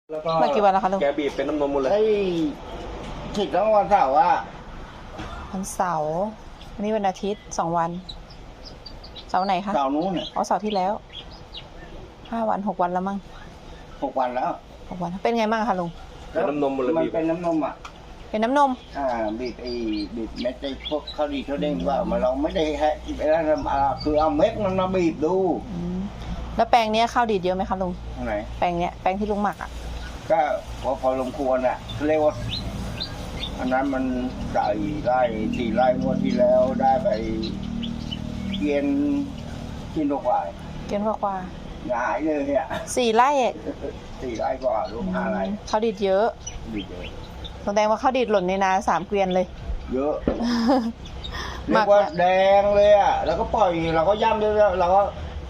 แล้วก็มากี่วันแล้วคะลุงแกบีบเป็นน้ำนมหมดเลยไอ้ฉีดแล้ววันเสาร์อ่ะวันเสาร์วันนี้วันอาทิตย์2 วัน เสาร์ไหนคะเสาร์นู้นเนี่ยอ๋อเสาร์ที่แล้ว5 วัน6 วันแล้วมั้ง 6 วันแล้ว 6 วันเป็นไงบ้างคะลุงเป็นน้ำนมหมดเลยมันบีบเป็นน้ำนมอ่ะเป็นน้ำนมบีบบีบเม็ดไอ้พวกข้าวดีข้าวเด้งว่ามาเราไม่ได้ให้ไอ้นั่นคือเอาเม็ดมันมาบีบดูอืมแล้วแปลงเนี้ยข้าวดีดเยอะไหมคะลุงทางไหนแปลงเนี้ยแปลงที่ลุงหมักอ่ะก็พอสมควรอ่ะเรียกว่าอันนั้นมันใส่ไร่4 ไร่งวดที่แล้วได้ไปเกียนกินกว่าเกินกว่าหงายเลยอ่ะ 4 ไร่เอง 4 ไร่กว่าลูก5 ไร่ข้าวดีดเยอะบีบเยอะแสดงว่าข้าวดีดหล่นในนา3 เกวียนเลยเยอะหเรีมัยกกว่าแล้วแดงเลยอ่ะ แล้วก็ปล่อยเราก็ย่ำด้วยเราก็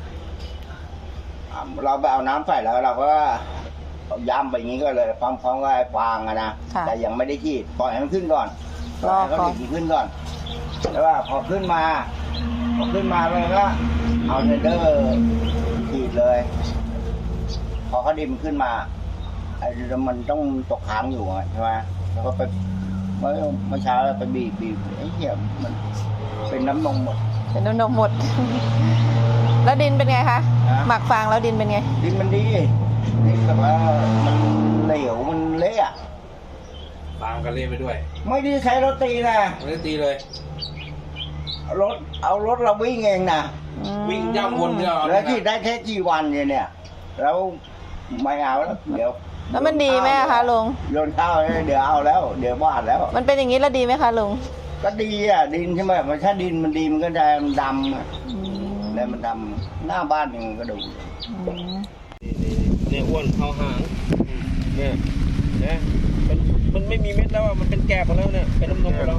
เราไปเอาน้ำใส่แล้วเราก็ย่ำไปอย่างนี้ก็เลยพร้อมๆกับไอ้ฟางอะนะค่ะแต่ยังไม่ได้ฉีดปล่อยให้มันขึ้นก่อนปรล่ออยให้ก่อนเขาดีขึ้นก่อนแล้วว่าพอขึ้นมาเลยก็เอาเทเดอร์ฉีดเลย พอเขาดิมขึ้นมาไอ้มันต้องตกค้างอยู่อะใช่ไหมแล้วก็ไปเมื่อเช้าเราไปบีบไอ้เหี้ยมันเป็นน้ำนมหมดเป็นน้ำนมหมด แล้วดินเป็นไงคะฮะหมักฟางแล้วดินเป็นไงดินมันดีดินแบบว่ามันเหลวมันเละอะฟางกันเล่ไปด้วยไม่ได้ใช้รถตีนะไม่ได้ตีเลยเอารถเราวิ่งเองนะวิ่งย่ำวนเนี่ยแล้วที่ได้แค่กี่วันเนี่ยแล้วไม่เอาแล้วเดี๋ยวแล้วมันดีไหมอะคะลุงโยนข้าวให้เดี๋ยวเอาแล้ว เดี๋ยววาดแล้วมันเป็นอย่างนี้แล้วดีไหมคะลุงก็ดีอ่ะดินใช่ไหมมันถ้าดินมันดีมันก็จะดำอะอืมแล้วมันดำหน้าบ้านมันก็ดูอืมเนี่ยอ้วนเข้าหางเนี่ยนะมันไม่มีเม็ดแล้วอ่ะมันเป็นแกบหมดแล้วเนี่ยเป็นน้ำนมหมดแล้ว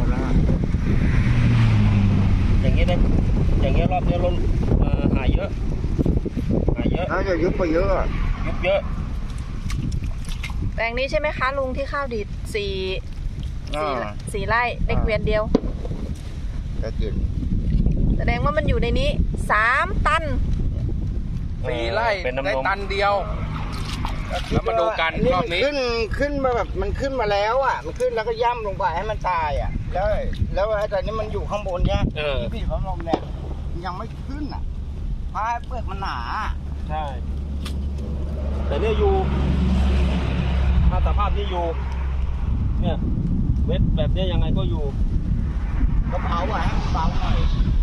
อย่างเงี้ยนะอย่างเงี้ยรอบเนี้ยล้นหายเยอะน่าจะยุบไปเยอะอะยุบเยอะแปลงนี้ใช่ไหมคะลุงที่ข้าวดีดสี่ไร่ได้เกวียนเดียวจะกินแสดงว่ามันอยู่ในนี้3 ตัน 4 ไร่เป็นน้ำนมได้ตันเดียว แล้วมาดูกันรอบนี้ขึ้นมาแบบมันขึ้นมาแล้วอ่ะ มันขึ้นแล้วก็ย่ำลงไปให้มันตายอ่ะ แล้วไอ้ตอนนี้มันอยู่ข้างบนเนี่ยเออที่พี่พัดลมเนี่ยยังไม่ขึ้นอ่ะเพราะเปลือกมันหนาใช่ แต่เนี่ยอยู่ ถ้าสภาพนี้อยู่ เนี่ยเวทแบบเนี้ยยังไงก็อยู่ก็เผาอ่ะให้มันเบาหน่อย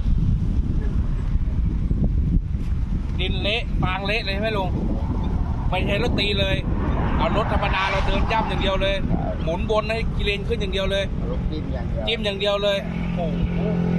ดินเละฟางเละเลยใช่ไหมลุงไม่ใช่รถตีเลย เอารถธรรมดาเราเดินย่ำอย่างเดียวเลย หมุนวนให้กิเลนขึ้นอย่างเดียวเลยรถจิ้มอย่างเดียวจิ้มอย่างเดียวเลย โอ้โห